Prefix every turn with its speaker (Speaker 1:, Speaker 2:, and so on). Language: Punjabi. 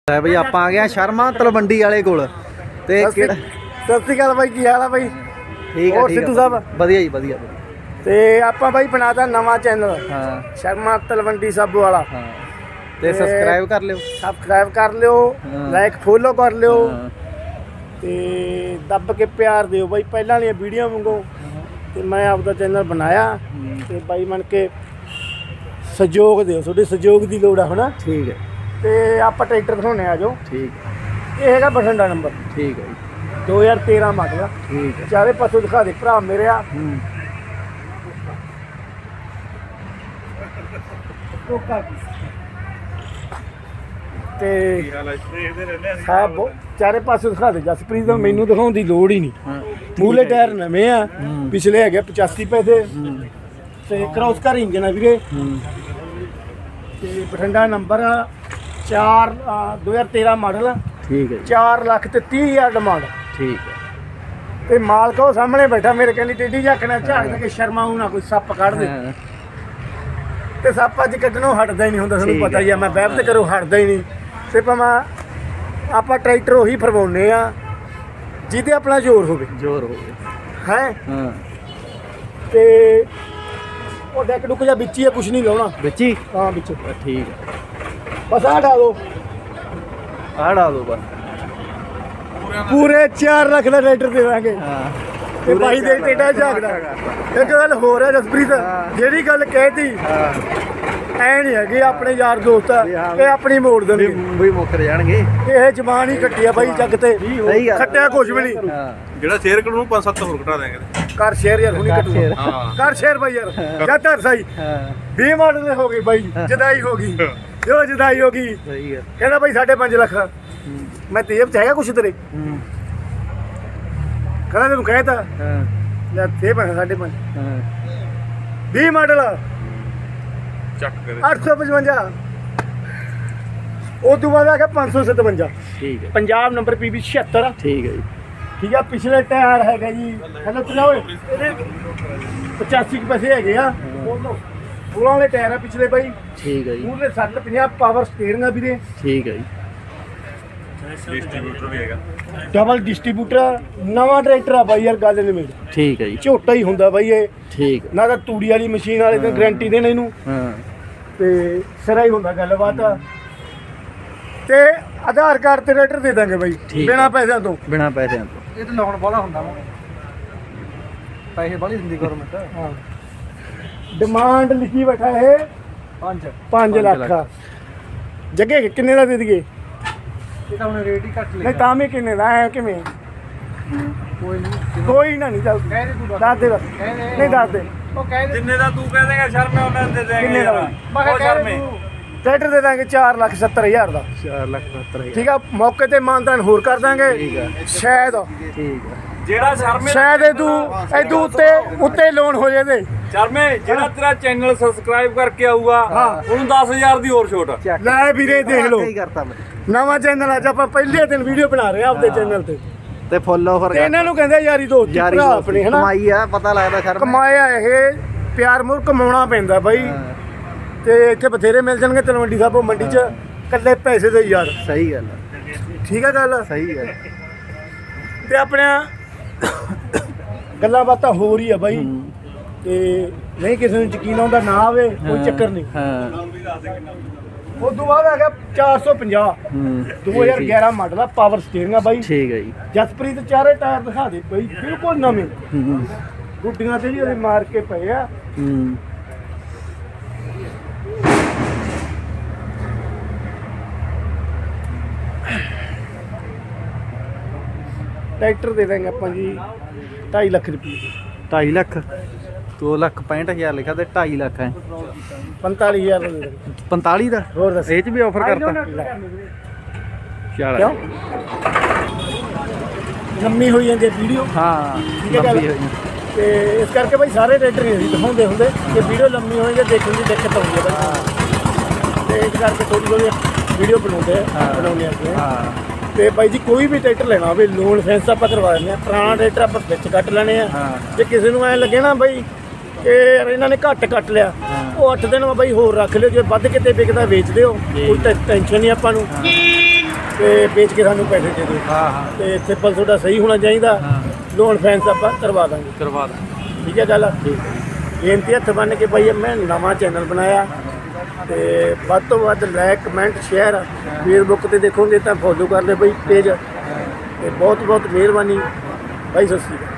Speaker 1: ਹੈ ਬਈ ਆਪਾਂ ਆ ਗਏ ਸ਼ਰਮਾ ਤਲਵੰਡੀ ਵਾਲੇ ਕੋਲ ਤੇ
Speaker 2: ਸਤਿ ਸ਼੍ਰੀ ਅਕਾਲ ਬਾਈ, ਕੀ ਹਾਲ ਆ ਬਾਈ?
Speaker 1: ਠੀਕ ਹੈ
Speaker 2: ਹੋਰ ਸਿੱਧੂ ਸਾਹਿਬ
Speaker 1: ਵਧੀਆ ਜੀ ਵਧੀਆ।
Speaker 2: ਤੇ ਆਪਾਂ ਬਾਈ ਬਣਾਤਾ ਨਵਾਂ ਚੈਨਲ
Speaker 1: ਹਾਂ
Speaker 2: ਸ਼ਰਮਾ ਤਲਵੰਡੀ ਸਾਬੂ ਵਾਲਾ।
Speaker 1: ਹਾਂ ਤੇ ਸਬਸਕ੍ਰਾਈਬ ਕਰ ਲਿਓ,
Speaker 2: ਸਬਸਕ੍ਰਾਈਬ ਕਰ ਲਿਓ, ਲਾਈਕ ਫੋਲੋ ਕਰ ਲਿਓ ਤੇ ਦੱਬ ਕੇ ਪਿਆਰ ਦਿਓ ਬਾਈ ਪਹਿਲਾਂ ਵਾਲੀਆਂ ਵੀਡੀਓ ਵਾਂਗੂ। ਤੇ ਮੈਂ ਆਪਦਾ ਚੈਨਲ ਬਣਾਇਆ ਤੇ ਬਾਈ ਬਣ ਕੇ ਸਹਿਯੋਗ ਦਿਓ, ਤੁਹਾਡੇ ਸਹਿਯੋਗ ਦੀ ਲੋੜ ਆ ਹਨਾ।
Speaker 1: ਠੀਕ ਹੈ
Speaker 2: ਤੇ ਆਪਾਂ ਟਰੈਕਟਰ ਦਿਖਾਉਣੇ ਆ ਜੋ।
Speaker 1: ਠੀਕ
Speaker 2: ਇਹ ਹੈਗਾ ਬਠਿੰਡਾ ਨੰਬਰ,
Speaker 1: ਠੀਕ ਹੈ ਜੀ
Speaker 2: 2013 ਮਾਡਲ ਆ।
Speaker 1: ਠੀਕ ਹੈ
Speaker 2: ਚਾਰੇ ਪਾਸੋਂ ਦਿਖਾ ਦੇ ਭਰਾ ਮੇਰੇ ਆ। ਤੇ ਸਾਹਿਬ ਚਾਰੇ ਪਾਸੇ ਦਿਖਾ ਦੇ ਜਸਪ੍ਰੀਤ ਦਾ, ਮੈਨੂੰ ਦਿਖਾਉਣ ਦੀ ਲੋੜ ਹੀ ਨਹੀਂ। ਮੂਲੇ ਟਾਇਰ ਨਵੇਂ ਆ, ਪਿਛਲੇ ਹੈਗੇ 85 ਪੈਸੇ ਤੇ ਕ੍ਰੋਸ ਕਰ ਇੰਜਨ ਆ ਵੀਰੇ। ਤੇ ਬਠਿੰਡਾ ਨੰਬਰ 4 2013 ਮਾਡਲ।
Speaker 1: ਠੀਕ ਹੈ
Speaker 2: 4 ਲੱਖ ਤੇ 30,000 ਡਿਮਾਂਡ।
Speaker 1: ਠੀਕ ਹੈ
Speaker 2: ਤੇ ਮਾਲਕ ਉਹ ਸਾਹਮਣੇ ਬੈਠਾ ਮੇਰੇ ਕਹਿੰਦੀ ਟੇਢੀ ਝਾਕਣਾ ਝਾਕ ਦੇ ਕੇ ਸ਼ਰਮਾਉ ਨਾ ਕੋਈ ਸੱਪ ਕੱਢ ਦੇ। ਤੇ ਸੱਪ ਅੱਜ ਕੱਢਣੋਂ ਹਟਦਾ ਹੀ ਨਹੀਂ ਹੁੰਦਾ, ਤੁਹਾਨੂੰ ਪਤਾ ਹੀ ਆ। ਮੈਂ ਵੈਬ ਤੇ ਕਰੋ ਹਟਦਾ ਹੀ ਨਹੀਂ। ਤੇ ਭਾਵੇਂ ਆਪਾਂ ਟਰੈਕਟਰ ਉਹੀ ਫਰਵਾਉਨੇ ਆ ਜਿਹਦੇ ਆਪਣਾ ਜ਼ੋਰ ਹੋਵੇ।
Speaker 1: ਜ਼ੋਰ ਹੋ ਗਿਆ
Speaker 2: ਹੈ
Speaker 1: ਹਾਂ।
Speaker 2: ਤੇ ਉਹ ਡੈਕ ਡੁੱਕ ਜਾਂ ਵਿੱਚ ਹੀ ਆ, ਕੁਛ ਨਹੀਂ ਲਾਉਣਾ
Speaker 1: ਵਿੱਚ ਹੀ।
Speaker 2: ਹਾਂ ਵਿੱਚ।
Speaker 1: ਠੀਕ ਹੈ
Speaker 2: ਬਸ ਆਹ ਢਾ ਦੋ,
Speaker 1: ਆਹ ਡਾ ਦੋ ਬਸ।
Speaker 2: ਪੂਰੇ 4 ਲੱਖ ਦਾ ਟਰੈਕਟਰ ਦੇ ਦਾਂਗੇ।
Speaker 1: ਹਾਂ
Speaker 2: ਤੇ ਬਾਈ ਦੇ ਟੇਡਾ ਝਾਕਦਾ। ਇੱਕ ਗੱਲ ਹੋਰ ਹੈ ਜਸਪ੍ਰੀਤ, ਜਿਹੜੀ ਗੱਲ ਕਹਿਤੀ ਐ ਨਹੀਂ ਹੈਗੀ ਆਪਣੇ ਯਾਰ ਦੋਸਤ ਆ, ਇਹ ਆਪਣੀ ਮੋੜ ਦੇਣਗੇ
Speaker 1: ਵੀ ਮੁੱਕਰ ਜਾਣਗੇ।
Speaker 2: ਇਹ ਜ਼ਬਾਨ ਹੀ ਕੱਟੀ ਆ ਬਾਈ ਜੱਗ ਤੇ, ਖੱਟਿਆ ਕੁਛ ਵੀ ਨਹੀਂ।
Speaker 3: ਜਿਹੜਾ ਸ਼ੇਅਰ ਕਰੂ ਨੂੰ 5-7 ਹੋਰ ਘਟਾ ਦੇਾਂਗੇ।
Speaker 2: ਕਰ ਸ਼ੇਅਰ ਯਾਰ, ਹੁਣੀ ਕੱਟੂ। ਕਰ ਸ਼ੇਅਰ ਬਾਈ ਯਾਰ, ਜਾਂ ਧਰ ਸਹੀ 20 ਮਾਡਲ ਦੇ ਹੋ ਗਈ ਬਾਈ, ਜਦਾਈ ਹੋ ਗਈ ਜੋ ਜਦਾਈ ਹੋ ਗਈ।
Speaker 1: ਸਹੀ ਹੈ
Speaker 2: ਕਹਿੰਦਾ ਬਾਈ 5.5 ਲੱਖ। ਮੈਂ ਤੇਬ ਚ ਹੈਗਾ ਕੁਛ ਤੇਰੇ? ਕਹਿੰਦਾ ਤੈਨੂੰ ਕਹਿਤਾ ਲੈ ਤੇ ਬਣਾ 5.5 20 ਮਾਡਲ
Speaker 3: ਚੱਕ ਕਰੇ
Speaker 2: 855। ਉਹ ਤੋਂ ਬਾਅਦ ਆ ਗਿਆ 557।
Speaker 1: ਠੀਕ ਹੈ
Speaker 2: ਪੰਜਾਬ ਨੰਬਰ PB 76।
Speaker 1: ਠੀਕ ਹੈ ਜੀ
Speaker 2: ਠੀਕ ਆ। ਪਿਛਲੇ ਟਾਇਰ ਹੈਗਾ ਜੀ ਹੈਲੋ ਚਲਾ ਓਏ, ਇਹਦੇ 85 ਕੁ ਪੈਸੇ ਹੈਗੇ ਆ। 16 ਵਾਲੇ ਟਾਇਰ ਆ ਪਿਛਲੇ ਬਾਈ।
Speaker 1: ਠੀਕ ਹੈ ਜੀ
Speaker 2: ਪੂਰੇ 750 ਪਾਵਰ ਸਟੀਅਰਿੰਗ ਆ ਵੀਰੇ।
Speaker 1: ਠੀਕ ਹੈ ਜੀ
Speaker 3: ਡਿਸਟ੍ਰੀਬਿਊਟਰ ਵੀ ਹੈਗਾ,
Speaker 2: ਡਬਲ ਡਿਸਟ੍ਰੀਬਿਊਟਰ। ਨਵਾਂ ਟਰੈਕਟਰ ਆ ਬਾਈ ਯਾਰ, ਗੱਲ ਨਹੀਂ ਮੇਰੀ।
Speaker 1: ਠੀਕ ਹੈ ਜੀ
Speaker 2: ਝੋਟਾ ਹੀ ਹੁੰਦਾ ਬਾਈ ਇਹ,
Speaker 1: ਠੀਕ
Speaker 2: ਨਾ ਤਾਂ ਤੂੜੀ ਵਾਲੀ ਮਸ਼ੀਨ ਵਾਲੇ ਤੇ ਗਾਰੰਟੀ ਦੇਣ ਇਹਨੂੰ।
Speaker 1: ਹਾਂ
Speaker 2: ਤੇ ਸਿਰਾ ਹੀ ਹੁੰਦਾ ਗੱਲਬਾਤ। ਤੇ ਆਧਾਰ ਕਾਰਡ ਤੇ ਟਰੈਕਟਰ ਦੇ ਦਾਂਗੇ ਬਾਈ ਬਿਨਾਂ ਪੈਸਿਆਂ ਤੋਂ।
Speaker 1: ਬਿਨਾਂ ਪੈਸਿਆਂ ਤੋਂ।
Speaker 2: ਇਹ ਤਾਂ ਲਾਉਣ ਵਾਲਾ ਹੁੰਦਾ ਵਾ, ਪੈਸੇ ਬਾਲੀ ਦਿੰਦੀ ਗਵਰਨਮੈਂਟ। ਹਾਂ ਡਿਮਾਂਡ ਲਿਖੀ ਬੈਠਾ ਇਹ 5 ਲੱਖ। ਜੱਗੇ ਕਿੰਨੇ ਦਾ ਦੇ ਦਈਏ? ਇਹ ਤਾਂ ਹੁਣ ਰੇਟ ਹੀ ਘੱਟ ਲਿਆ। ਨਹੀਂ ਤਾਂ ਵੀ ਕਿੰਨੇ ਦਾ ਹੈ? ਕਿਵੇਂ? ਕੋਈ ਨਾ ਨਹੀਂ ਚੱਲ ਦੱਸ ਦੇ ਬਸ। ਨਹੀਂ ਦੱਸ ਦੇ। ਉਹ ਕਹਿ ਦੇ
Speaker 3: ਜਿੰਨੇ ਦਾ ਤੂੰ ਕਹਿ ਦੇਗਾ ਸ਼ਰਮੇ ਉਹਨਾਂ ਦੇ ਦੇਗੇ।
Speaker 2: ਕਿੰਨੇ ਦਾ?
Speaker 3: ਉਹ ਸ਼ਰਮੇ
Speaker 2: ਟਰੈਕਟਰ ਦੇ ਦਾਂਗੇ 4,70,000 ਦਾ।
Speaker 1: 4,70,000
Speaker 2: ਠੀਕ ਆ। ਮੌਕੇ ਤੇ ਮਾਨਦਾਨ ਹੋਰ ਕਰ ਦਾਂਗੇ ਸ਼ਾਇਦ।
Speaker 1: ਠੀਕ ਹੈ
Speaker 3: ਜਿਹੜਾ ਸ਼ਰਮੇ
Speaker 2: ਸ਼ਾਇਦ ਇਹਦੂ ਉੱਤੇ ਲੋਨ ਹੋ ਜਾਵੇ।
Speaker 3: ਸ਼ਰਮੇ ਜਿਹੜਾ ਤੇਰਾ ਚੈਨਲ ਸਬਸਕ੍ਰਾਈਬ ਕਰਕੇ ਆਊਗਾ ਉਹਨੂੰ 10,000 ਦੀ ਹੋਰ ਛੋਟ।
Speaker 2: ਲੈ ਵੀਰੇ ਦੇਖ ਲਓ,
Speaker 1: ਕੀ ਕਰਤਾ ਮੈਂ
Speaker 2: ਨਵਾਂ ਚੈਨਲ ਅੱਜ ਆਪਾਂ ਪਹਿਲੇ ਦਿਨ ਵੀਡੀਓ ਬਣਾ ਰਹੇ ਆ ਆਪਦੇ ਚੈਨਲ ਤੇ।
Speaker 1: ਤੇ ਫੋਲੋਵਰ
Speaker 2: ਤੇ ਇਹਨਾਂ ਨੂੰ ਕਹਿੰਦੇ ਯਾਰੀ ਦੋਸਤੀ ਭਰਾ ਆਪਣੇ ਹਨਾ।
Speaker 1: ਕਮਾਈ ਆ, ਪਤਾ ਲੱਗਦਾ ਸ਼ਰਮ
Speaker 2: ਕਮਾਇਆ ਇਹ ਪਿਆਰ ਮੁਰ ਕਮਾਉਣਾ ਪੈਂਦਾ ਬਾਈ। ਤੇ ਇੱਥੇ ਬਥੇਰੇ ਮਿਲ ਜਾਣਗੇ ਤਲਵੰਡੀ ਸਾਬੋ ਮੰਡੀ 'ਚ, ਇਕੱਲੇ ਪੈਸੇ ਦੇ ਯਾਰ।
Speaker 1: ਸਹੀ ਗੱਲ ਹੈ
Speaker 2: ਠੀਕ ਆ ਗੱਲ?
Speaker 1: ਸਹੀ ਗੱਲ।
Speaker 2: ਤੇ ਆਪਣੀਆਂ ਗੱਲਾਂ ਬਾਤਾਂ ਹੋ ਰਹੀ ਆ ਬਾਈ। ਤੇ ਨਹੀਂ ਕਿਸੇ ਨੂੰ ਯਕੀਨ ਆਉਂਦਾ ਨਾ ਆਵੇ ਕੋਈ ਚੱਕਰ ਨਹੀਂ।
Speaker 1: ਹਾਂ
Speaker 2: ਉਸ ਤੋਂ ਬਾਅਦ ਆ ਗਿਆ 450 2011 ਮਾਡਲ ਆ, ਪਾਵਰ ਸਟੀਅਰਿੰਗ ਆ ਬਾਈ।
Speaker 1: ਠੀਕ ਹੈ ਜੀ
Speaker 2: ਜਸਪ੍ਰੀਤ ਚਾਰੇ ਟਾਇਰ ਦਿਖਾ ਦੇ ਬਾਈ, ਬਿਲਕੁਲ ਨਵੇਂ। ਗੁੱਡੀਆਂ ਤੇ ਵੀ ਉਹਦੇ ਮਾਰ ਕੇ ਪਏ ਆ। ਟਰੈਕਟਰ ਦੇ ਦਾਂਗੇ ਆਪਾਂ ਜੀ 2.5 ਲੱਖ ਰੁਪਏ।
Speaker 1: 2.5 ਲੱਖ 2,65,000 ਲਿਖਿਆ ਤੇ 2.5 ਲੱਖ ਹੈ
Speaker 2: 45,000 ਦਾ ਦੇ ਦਾਂਗੇ।
Speaker 1: 45 ਦਾ
Speaker 2: ਹੋਰ ਦੱਸ
Speaker 1: ਇਹ ਚ ਵੀ ਆਫਰ ਕਰਤਾ। ਚੱਲ
Speaker 2: ਕਿਉਂ? ਲੰਮੀ ਹੋਈ ਜਾਂਦੀ ਵੀਡੀਓ।
Speaker 1: ਹਾਂ
Speaker 2: ਠੀਕ ਹੈ ਗੱਲ? ਤੇ ਇਸ ਕਰਕੇ ਬਾਈ ਸਾਰੇ ਟਰੈਕਟਰ ਨਹੀਂ ਅਸੀਂ ਦਿਖਾਉਂਦੇ ਹੁੰਦੇ ਕਿ ਵੀਡੀਓ ਲੰਮੀ ਹੋਈ ਜਾਂ ਦੇਖਣ ਦੀ ਦਿੱਕਤ ਆਉਂਦੀ ਹੈ ਬਾਈ। ਤੇ ਇਸ ਕਰਕੇ ਥੋੜੀ ਵੀਡੀਓ ਬਣਾਉਂਦੇ ਆ।
Speaker 1: ਹਾਂ
Speaker 2: ਤੇ ਬਾਈ ਜੀ ਕੋਈ ਵੀ ਟਰੈਕਟਰ ਲੈਣਾ ਹੋਵੇ ਲੋਨ ਫੈਂਸ ਆਪਾਂ ਕਰਵਾ ਦਿੰਦੇ ਆ। ਪੁਰਾਣਾ ਟਰੈਕਟਰ ਆਪਾਂ ਵਿੱਚ ਕੱਟ ਲੈਣੇ ਆ। ਜੇ ਕਿਸੇ ਨੂੰ ਐ ਲੱਗੇ ਨਾ ਬਾਈ ਕਿ ਇਹਨਾਂ ਨੇ ਘੱਟ ਕੱਟ ਲਿਆ, ਉਹ 8 ਦਿਨ ਬਾਈ ਹੋਰ ਰੱਖ ਲਿਓ। ਜੇ ਵੱਧ ਕਿਤੇ ਵਿਕਦਾ ਵੇਚ ਦਿਓ, ਕੋਈ ਟੈਨਸ਼ਨ ਨਹੀਂ ਆਪਾਂ ਨੂੰ। ਤੇ ਵੇਚ ਕੇ ਸਾਨੂੰ ਪੈਸੇ ਦੇ ਦਿਓ।
Speaker 1: ਹਾਂ ਹਾਂ
Speaker 2: ਤੇ ਸਿੰਪਲ ਤੁਹਾਡਾ ਸਹੀ ਹੋਣਾ ਚਾਹੀਦਾ।
Speaker 1: ਹਾਂ
Speaker 2: ਲੋਨ ਫੈਂਸ ਆਪਾਂ ਕਰਵਾ ਦਾਂਗੇ।
Speaker 1: ਕਰਵਾ ਦਾਂ।
Speaker 2: ਠੀਕ ਹੈ ਗੱਲ।
Speaker 1: ਠੀਕ
Speaker 2: ਬੇਨਤੀ ਹੱਥ ਬੰਨ੍ਹ ਕੇ ਭਾਈ ਮੈਂ ਨਵਾਂ ਚੈਨਲ ਬਣਾਇਆ ਤੇ ਵੱਧ ਤੋਂ ਵੱਧ ਲਾਇਕ ਕਮੈਂਟ ਸ਼ੇਅਰ ਫੇਸਬੁੱਕ ਤੇ ਦੇਖੋਗੇ ਤਾਂ ਫੋਲੋ ਕਰ ਲਿਓ ਬਈ ਪੇਜ। ਤੇ ਬਹੁਤ ਬਹੁਤ ਮਿਹਰਬਾਨੀ ਭਾਈ, ਸਤਿ ਸ਼੍ਰੀ ਅਕਾਲ।